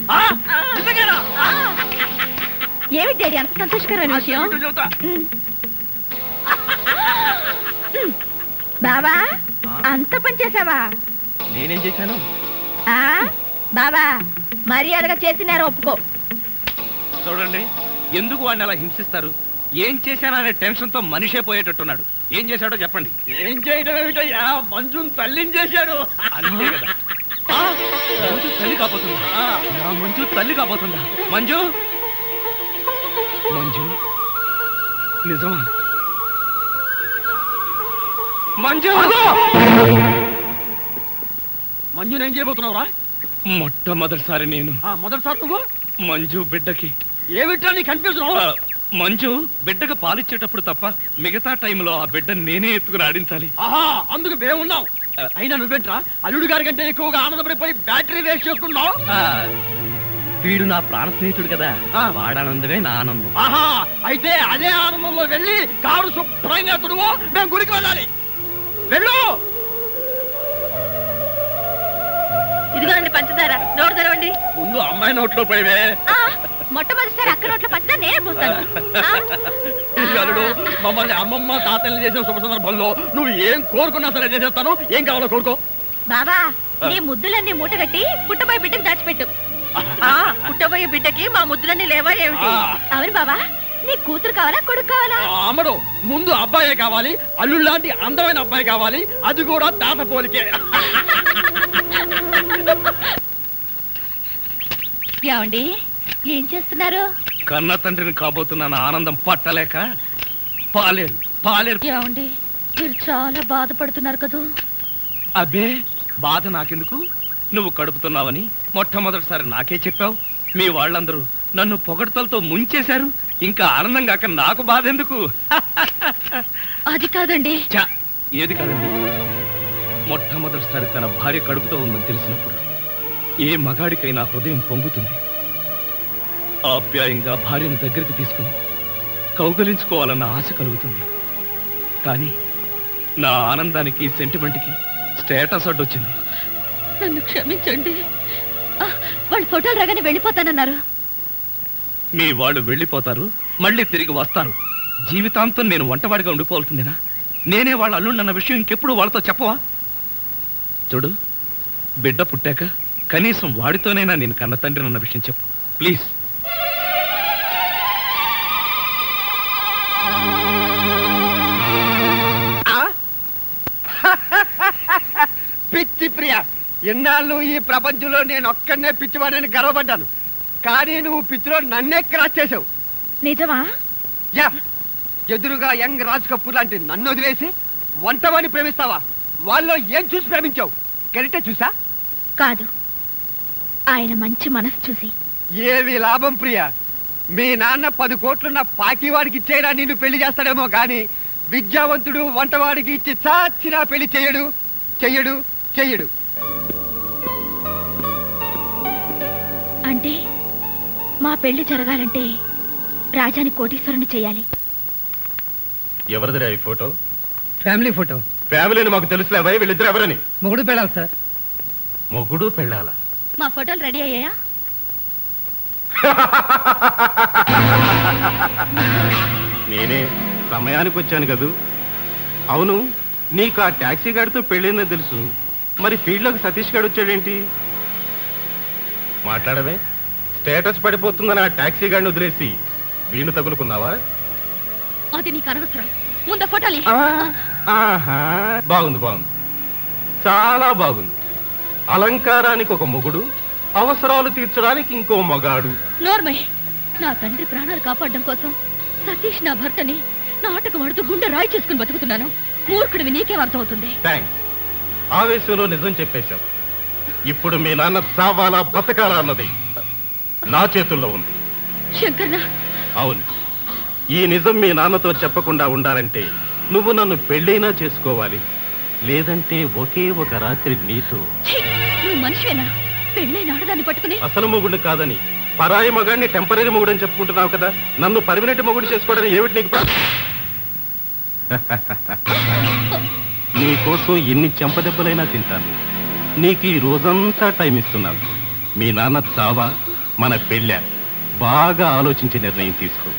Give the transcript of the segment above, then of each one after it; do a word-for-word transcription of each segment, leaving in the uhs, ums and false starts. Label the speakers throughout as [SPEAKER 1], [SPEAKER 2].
[SPEAKER 1] ఏమిటి డాడీ అంత సంతోషకరమైన విషయం? బాబా అంత పని చేసావా?
[SPEAKER 2] నేనేం చేశాను
[SPEAKER 1] బాబా? మర్యాదగా చేసినారు ఒప్పుకో.
[SPEAKER 2] చూడండి, ఎందుకు వాడిని అలా హింసిస్తారు? ఏం చేశాననే టెన్షన్ తో మనిషే పోయేటట్టున్నాడు. ఏం చేశాడో చెప్పండి.
[SPEAKER 3] ఏం చేయడం ఏమిటయ్యా, మంజుని తల్లిని చేశాడు.
[SPEAKER 2] అంతే కదా. మంజు తల్లి కాబోతుందా? నా మంజు తల్లి కాబోతుందా? మంజు మంజు నిజమా? మంజు
[SPEAKER 3] మంజుని ఏం చేయబోతున్నావురా?
[SPEAKER 2] మొట్టమొదటిసారి నేను
[SPEAKER 3] మొదటిసారి నువ్వు
[SPEAKER 2] మంజు బిడ్డకి
[SPEAKER 3] ఏమిటా నీ కన్ఫ్యూజన్?
[SPEAKER 2] మంజు బిడ్డకు పాలిచ్చేటప్పుడు తప్ప మిగతా టైంలో ఆ బిడ్డను నేనే ఎత్తుకుని ఆడించాలి.
[SPEAKER 3] ఆహా, అందుకు మేమున్నాం. అయినా నువ్వేంట్రా అల్లుడు గారి కంటే ఎక్కువగా ఆనందపడిపోయి బ్యాటరీ వేస్ట్ చేసుకున్నావు?
[SPEAKER 2] వీడు నా ప్రాణ స్నేహితుడు కదా, వాడానందమే నా ఆనందం.
[SPEAKER 3] ఆహా, అయితే అదే ఆనందంలో వెళ్ళి కారు శుభ్రంగా తుడువో, మేము గుడికి వెళ్ళాలి. వెళ్ళు.
[SPEAKER 1] ఇదిగోనండి పంచదార, నోరు తెరవండి.
[SPEAKER 3] ముందు అమ్మాయి నోట్లో పోయివే.
[SPEAKER 1] మొట్టమొదటిసారి అక్క నోట్లో పంచదార నేనే పోస్తాను.
[SPEAKER 3] మమ్మల్ని అమ్మమ్మ తాతల్ని చేసిన శుభ సందర్భంలో నువ్వు ఏం కోరుకున్నా సరే చేసేస్తాను. ఏం కావాలో కోరుకో.
[SPEAKER 1] బాబా, నీ ముద్దులన్నీ మూటగట్టి పుట్టబోయే బిడ్డకి దాచిపెట్టు. పుట్టబోయే బిడ్డకి మా ముద్దులన్నీ లేవా ఏమిటి? అవును బాబా, నీ కూతురు కావాలా కొడుకు కావాలా?
[SPEAKER 3] అమ్మడు, ముందు అబ్బాయే కావాలి. అల్లుడు లాంటి అందమైన అబ్బాయి కావాలి, అది కూడా తాత పోలికే.
[SPEAKER 1] ఏమండి ఏం చేస్తున్నారు?
[SPEAKER 2] కన్న తండ్రిని కాబోతున్న ఆనందం పట్టలేక పాలేరు పాలేరు.
[SPEAKER 1] ఏమండి మీరు చాలా బాధపడుతున్నారు కదా?
[SPEAKER 2] అబ్బే, బాధ నాకెందుకు? నువ్వు కడుపుతున్నావని మొట్టమొదటిసారి నాకే చెప్పావు. మీ వాళ్ళందరూ నన్ను పొగడ్తలతో ముంచేశారు. ఇంకా ఆనందం కాక నాకు బాధ ఎందుకు?
[SPEAKER 1] అది కాదండి.
[SPEAKER 2] చా, ఏది కాదండి? మొట్టమొదటిసారి తన భార్య కడుపుతో ఉందని తెలిసినప్పుడు ఏ మగాడికైనా హృదయం పొంగుతుంది. ఆప్యాయంగా భార్యను దగ్గరికి తీసుకుని కౌగలించుకోవాలన్న ఆశ కలుగుతుంది. కానీ నా ఆనందానికి, సెంటిమెంట్కి స్టేటస్ అడ్డొచ్చింది.
[SPEAKER 1] నన్ను క్షమించండి. వాళ్ళు ఫోటోలు రాగానే వెళ్ళిపోతానన్నారు.
[SPEAKER 2] మీ వాళ్ళు వెళ్ళిపోతారు, మళ్ళీ తిరిగి వస్తారు. జీవితాంతం నేను వంటవాడిగా ఉండిపోవాల్సిందేనా? నేనే వాళ్ళ అల్లుండన్న విషయం ఇంకెప్పుడు వాళ్ళతో చెప్పవా? చూడు, బిడ్డ పుట్టాక కనీసం వాడితోనైనా నేను కన్న తండ్రినన్న విషయం చెప్పు ప్లీజ్.
[SPEAKER 3] పిచ్చి ప్రియ, ఎన్నాళ్ళు ఈ ప్రపంచంలో నేను ఒక్కడనే పిచ్చివాడని గర్వపడ్డాను. కానీ నువ్వు పిచ్చిలో నన్నే క్రాస్ చేసావు.
[SPEAKER 1] నిజమా?
[SPEAKER 3] యా, ఎదురుగా యంగ్ రాజ్ కపూర్ లాంటి నన్ను వదిలేసి వంటవాడిని ప్రేమిస్తావా? వాళ్ళలో ఏం చూసి ప్రేమించావు? గరిటే చూసా?
[SPEAKER 1] కాదు, ఆయన మంచి మనసు చూసి.
[SPEAKER 3] ఏవి లాభం ప్రియ? మీ నాన్న పది కోట్లున్న పాకివాడికి ఇచ్చేయడా నిన్ను పెళ్లి చేస్తాడేమో గాని విద్యావంతుడు వంటవాడికి ఇచ్చి చాచినా పెళ్లి చెయ్యడు చెయ్యడు చెయ్యడు.
[SPEAKER 1] అంటే మా పెళ్లి జరగాలంటే రాజాని కోటీశ్వరుని చెయ్యాలి.
[SPEAKER 4] ఎవరిదిరా ఈ ఫోటో?
[SPEAKER 5] Family photo.
[SPEAKER 4] ఫ్యామిలీని మాకు తెలుసులేవా? వీళ్ళిద్దరు ఎవరని?
[SPEAKER 5] మొగుడు పెళ్ళాలి సార్.
[SPEAKER 4] మొగుడు పెళ్ళాలా?
[SPEAKER 1] మా ఫోటోలు రెడీ అయ్యాయా?
[SPEAKER 4] నేనే సమయానికి వచ్చాను కదూ. అవును, నీకు ఆ టాక్సీ గాడితో పెళ్ళిందో తెలుసు, మరి ఫీల్డ్లోకి సతీష్ గారు వచ్చాడేంటి? మాట్లాడవే. స్టేటస్ పడిపోతుందని ఆ టాక్సీ గాడిని వదిలేసి వీళ్ళు తగులుకున్నావా?
[SPEAKER 1] అది నీకు అనవసరం. ముందు ఫోటోలు.
[SPEAKER 4] బాగుంది బాగుంది, చాలా బాగుంది. అలంకారానికి ఒక మొగుడు, అవసరాలు తీర్చడానికి ఇంకో మగాడు.
[SPEAKER 1] నోర్మయ్, నా తండ్రి ప్రాణాలు కాపాడడం కోసం సతీష్ నా భర్తని నాటకం ఆడుతూ గుండె రాయి చేసుకుని బతుకుతున్నాను. మూర్ఖుడివి నీకేం అర్థం అవుతుంది?
[SPEAKER 4] థ్యాంక్స్, ఆవేశంలో నిజం చెప్పేశావు. ఇప్పుడు మీ నాన్న చావాలా బతకాలా అన్నది నా చేతుల్లో ఉంది.
[SPEAKER 1] శంకర్నా?
[SPEAKER 4] అవును, ఈ నిజం మీ నాన్నతో చెప్పకుండా ఉండాలంటే నువ్వు నన్ను పెళ్ళైనా చేసుకోవాలి, లేదంటే ఒకే ఒక రాత్రి నీతో.
[SPEAKER 1] నువ్వు మనిషివేనా? పెళ్ళైన ఆడదాన్ని పట్టుకుని
[SPEAKER 4] అసలు మొగుడు కాదని పరాయి మగాడిని టెంపరీ మొగుడు అని చెప్పుకుంటున్నావు కదా, నన్ను పర్మనెంట్ మొగుడు చేసుకోవడానికి ఏమిటి నీకు? నీ కోసం ఎన్ని చెంపదెబ్బలైనా తింటాను. నీకు ఈ రోజంతా టైం ఇస్తున్నాను. మీ నాన్న చావా మన పెళ్ళ బాగా ఆలోచించి నిర్ణయం తీసుకో.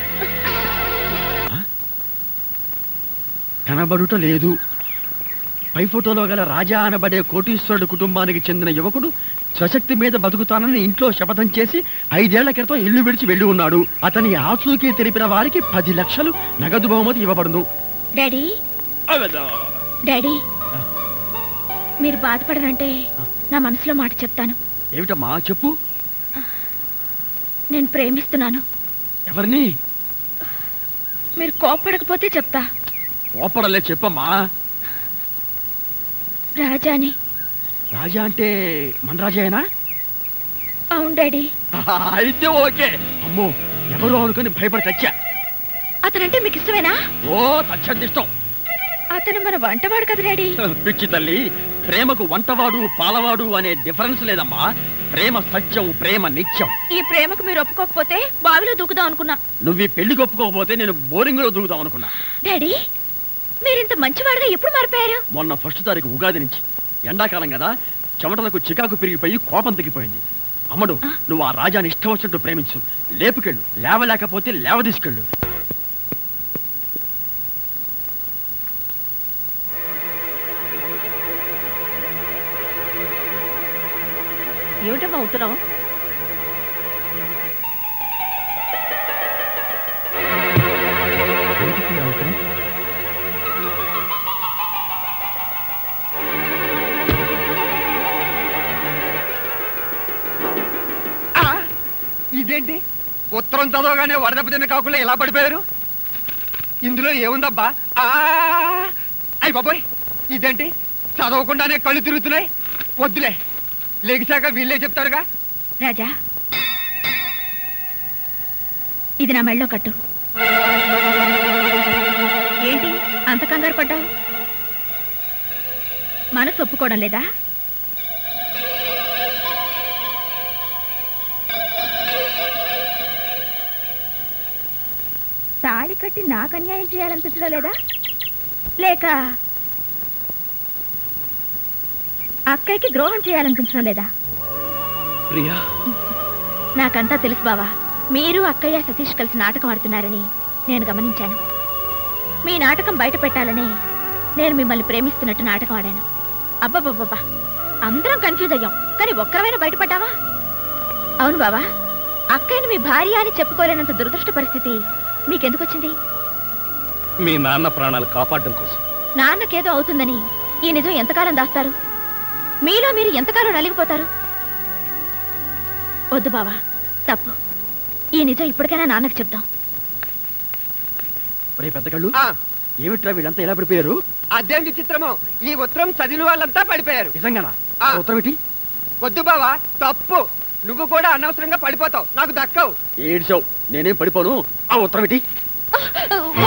[SPEAKER 3] కనబడుట లేదు. పై ఫోటోలో గల రాజా అనబడే కోటీశ్వరుడు కుటుంబానికి చెందిన యువకుడు స్వశక్తి మీద బతుకుతానని ఇంట్లో శపథం చేసి ఐదేళ్ల క్రితం ఇల్లు విడిచి వెళ్లి ఉన్నాడు. అతని ఆచూకీ తెలిపిన వారికి పది లక్షలు నగదు బహుమతి ఇవ్వబడును.
[SPEAKER 1] డాడీ డాడీ మీరు బాధపడనంటే నా మనసులో మాట చెప్తాను.
[SPEAKER 3] ఏమిటమ్మా చెప్పు.
[SPEAKER 1] నేను ప్రేమిస్తున్నాను.
[SPEAKER 3] ఎవరిని?
[SPEAKER 1] మీరు కోపడకపోతే చెప్తా.
[SPEAKER 3] కోపడలే, చెప్పమ్మా.
[SPEAKER 1] రాజాని.
[SPEAKER 3] రాజా అంటే మన రాజాయేనా?
[SPEAKER 1] అవును డాడీ.
[SPEAKER 3] అయితే ఓకే. అమ్మో, ఎవరో అనుకుని భయపడి చచ్చా.
[SPEAKER 1] అతనంటే మీకు ఇష్టమేనా?
[SPEAKER 3] ఓ తచ్చండి ఇష్టం.
[SPEAKER 1] అతను మన వంటవాడు కదా డాడీ.
[SPEAKER 3] పిచ్చి తల్లి, ప్రేమకు వంటవాడు పాలవాడు అనే డిఫరెన్స్ లేదమ్మా. ప్రేమ సత్యం, ప్రేమ నిత్యం.
[SPEAKER 1] ఈ ప్రేమకు మీరు ఒప్పుకోకపోతే బావిలో దూకుదాం అనుకున్నా.
[SPEAKER 3] నువ్వు ఈ పెళ్లికి ఒప్పుకోకపోతే నేను బోరింగ్ లో దూకుదాం అనుకున్నా.
[SPEAKER 1] డాడీ మీరింత మంచివాడుగా ఎప్పుడు మారిపోయారు?
[SPEAKER 3] మొన్న ఫస్ట్ తారీఖు ఉగాది నుంచి. ఎండాకాలం కదా, చెమటలకు చికాకు పెరిగిపోయి కోపం తగ్గిపోయింది. అమ్మడు, నువ్వు ఆ రాజాని ఇష్టం వచ్చినట్టు ప్రేమించు. లేపుకెళ్ళు, లేవలేకపోతే లేవ తీసుకెళ్ళు.
[SPEAKER 1] ఏమిటమ్మా ఉత్తరం?
[SPEAKER 3] ఇదేంటి, ఉత్తరం చదవగానే వరదపు తిన్న కాకుండా ఎలా పడిపోయారు? ఇందులో ఏముందబ్బా? అయ్యి బాబోయ్, ఇదేంటి చదవకుండానే కళ్ళు తిరుగుతున్నాయి. వద్దులే, లెగిశాక వీళ్ళే చెప్తారుగా.
[SPEAKER 1] రాజా, ఇది నా మెళ్ళో కట్టు. ఏంటి అంత కంగారు పడ్డావు? మనసు ఒప్పుకోవడం లేదా? తాళి కట్టి నాకు అన్యాయం చేయాలనిపించడం లేదా? లేక అక్కయ్యకి ద్రోహం చేయాలనిపించడం లేదా?
[SPEAKER 2] ప్రియా,
[SPEAKER 1] నాకంతా తెలుసు బావా. మీరు అక్కయ్య సతీష్ కలిసి నాటకం ఆడుతున్నారని నేను గమనించాను. మీ నాటకం బయట పెట్టాలని నేను మిమ్మల్ని ప్రేమిస్తున్నట్టు నాటకం ఆడాను. అబ్బబ్బబ్బబ్బా, అందరం కన్ఫ్యూజ్ అయ్యాం, కానీ ఒక్కరమైనా బయటపడ్డావా? అవును బావా, అక్కయ్యని మీ భార్య అని చెప్పుకోలేనంత దురదృష్ట పరిస్థితి మీకెందుకు వచ్చింది?
[SPEAKER 2] మీ నాన్న ప్రాణాలు కాపాడడం కోసం.
[SPEAKER 1] నాన్నకేదో అవుతుందని ఈ నిజం ఎంతకాలం దాస్తారు? మీలో మీరు ఎంతకాలం నలిగిపోతారు? వద్దు బావా, తప్పు. ఈ నిజం ఇప్పటికైనా నాన్నకు చెప్దాం.
[SPEAKER 3] ఒరే పెద్ద కళ్ళు, ఏమిట్రా వీళ్ళంతా ఎలా పడిపోయారు? అదేం విచిత్రమో, ఈ ఉత్తరం చదివిన వాళ్ళంతా పడిపోయారు. నిజంగానా? ఉత్తరం ఏంటి? వద్దు బావా, తప్పు. నువ్వు కూడా అనవసరంగా పడిపోతావు, నాకు దక్కవు. ఏడ్చావు, నేనేం పడిపోను. ఆ ఉత్తరం ఏంటి?